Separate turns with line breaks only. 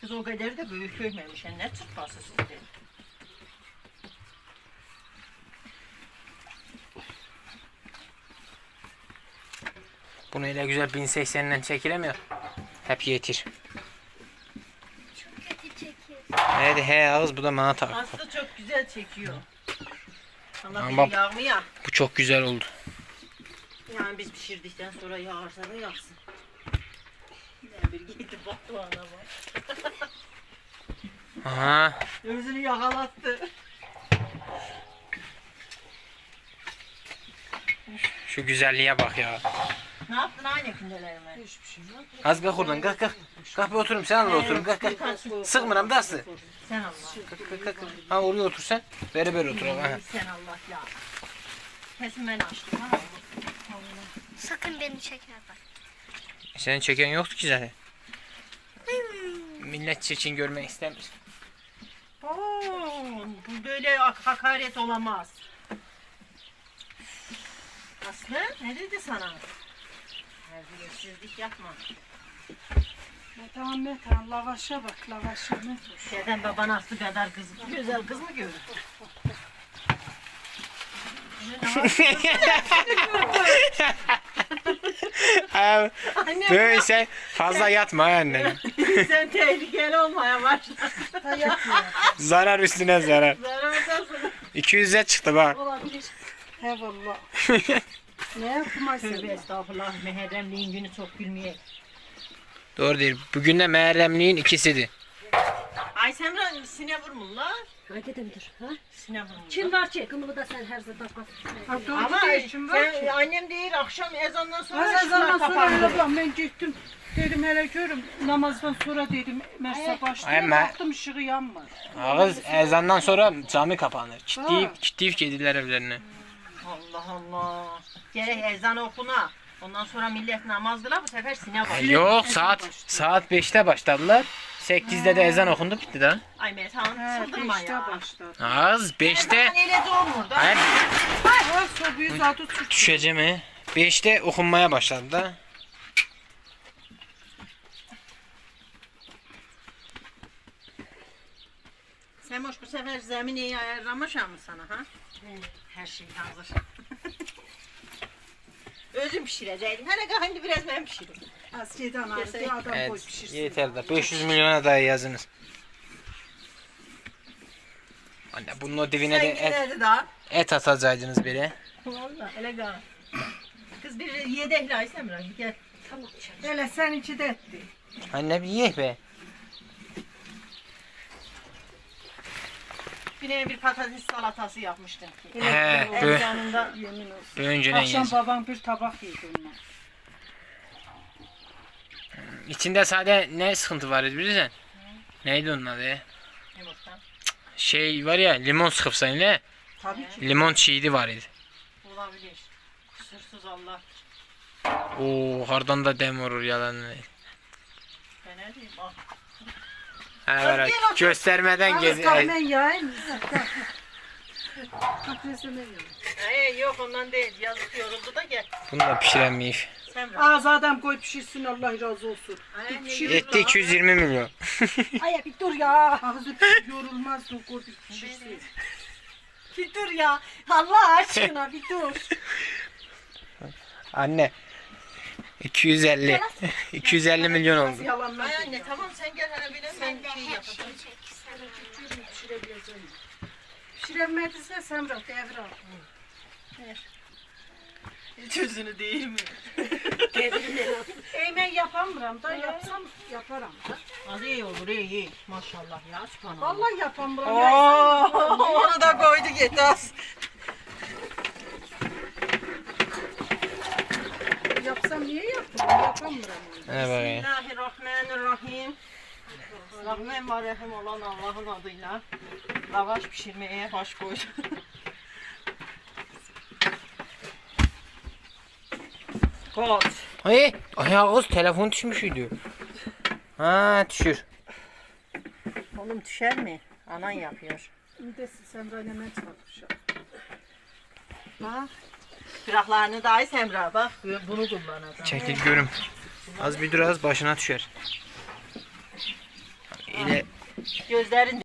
Kız o kadar da büyük koymamış. Yani ne çırpması sizde?
Bunu öyle güzel 1080'den çekilemiyor. Hep yetir.
Çok kötü çekiyor.
Hadi he ağız bu da bana tak.
Aslı çok güzel çekiyor. Allah
Ama
bize yağmıyor.
bu çok güzel oldu.
Yani biz pişirdikten sonra yağarsa da yaksın. Ne bir giydi battı ana bak.
Aha.
Özünü yakalattı.
Şu güzelliğe bak ya.
Ne yaptın aynı gündelerime?
Hiçbir şey yok.
Az kalk oradan kalk kalk. Kalk bir oturayım sen de oturun kalk kalk. Sıkmıram da aslı.
Sen Allah.
Kalk kalk kalk. Ha oraya otur sen. Beraber oturalım. Ha.
Sen Allah ya. Kesin ben açtım ha.
Sakın beni çekme bak.
Senin çeken yoktu ki zaten. Millet çirkin görmek istemiyor.
Oo, bu böyle hakaret olamaz. Aslı ne dedi sana? Terbiyesizlik yapma.
Metan lavaşa bak lavaşa ne?
Şeyden baban Aslı kadar kız, güzel kız mı görür? Anne
Böyle sen fazla yatma anne.
sen tehlikeli olmaya başladın.
Zarar üstüne zarar.
Zarardan sonra
200'e çıktı bak.
olabilir.
He valla. Ne yapmaz
Tövbe
sen?
estağfurullah. Mehremliğin günü çok gülmeye.
Doğru değil. Bugün de Mehremliğin ikisidir.
Ay Semra sine vurmuşlar.
Hadi dur. Ha?
Sine vurmuşlar.
Kim var ki? Kımılı da sen her zaman bak.
Ha, doğru
Ama
değil, şimdi var ki.
annem değil akşam ezandan sonra
Az ezandan
ışıklar
sonra
kapandı.
öyle bak ben gittim. Dedim hele görüm namazdan sonra dedim Mersa başlıyor.
Ama-
Baktım ışığı yanmaz.
Ağız ezandan sonra cami kapanır.
Ha.
Ciddi kediler evlerine.
Allah Allah. Gerek ezan okuna. Ondan sonra millet namaz kılar bu sefer sine var.
Yok saat 5'te başladılar. 8'de de ezan okundu bitti daha.
Ay Metehan
He,
çıldırma
beşte
ya.
başladı.
Ağız 5'te.
Ezan öyle doğmur da.
Hayır
Ha sobayı zaten tut.
düşeceğim he. 5'te okunmaya başladı da.
Semoş bu sefer zemini ayarlamış mı sana ha? Her şey hazır. Özüm pişireceğim. Hele kahindi biraz ben pişiririm.
Asiyeden aldı adam boy
Evet
pişirsin.
yeter de 500 milyona da yazınız. Anne bunun o dibine de
Sen giderdi daha.
et atacaktınız biri.
Valla hele gel. Kız bir yedekli ay Semra gel.
Tamam.
Hele seninki de etti.
Anne bir ye be.
Bir patates salatası yapmıştım ki.
He,
En yanında
Yemin olsun.
önceden
Akşam
yez.
babam bir tabak yedi ondan.
İçinde sade ne sıkıntı var bilirsen? Neydi onun adı?
yumurta.
Şey var ya limon sıkıpsan ne?
Tabii ki.
Limon çiğdi var idi.
Olabilir. Kusursuz Allah.
Oo hardan da dem vurur yalan.
Ben ne diyeyim bak.
Ha böyle göstermeden
Az
gez.
kahven yağın. Patatesle ne yiyor?
Yok ondan değil. Yazık yoruldu da gel.
Bunu da pişiremeyiz.
Semra.
Ağzı adam koy pişirsin Allah razı olsun.
Ay, ne
Pişir.
Etti 220 milyon.
Ay bir dur ya. Ağzı yorulmaz da koy pişirsin.
Bir dur ya. Allah aşkına bir dur.
Anne 250 250 milyon oldu.
Yalanlar.
Ay anne tamam sen gel hele bir de
Sen de
şey
her
yapacağım.
şeyi çek.
Pişirebileceğim. Pişiremediyse Semra devre.
Hiç özünü değil mi?
Eğmen yapamıram da yapsam yaparım da.
Az iyi olur iyi. Maşallah ya subhanallah.
Vallahi yapamıram.
Onu da koydu git az.
Yapsam niye yaptım? Yapamıram.
Ne bakayım.
Bismillahirrahmanirrahim. Rahman ve Rahim olan Allah'ın adıyla lavaş pişirmeye baş koydum. Kot.
Ay ayağız telefon düşmüşydü. Ha düşür.
Oğlum düşer mi? Anan yapıyor.
Bir Semra hemen çalışıyor.
Bak. Kıraklarını da ay Semra bak. Bunu kullanacağım.
Çekil görüm. Az bir dur az başına düşer.
Gözlerin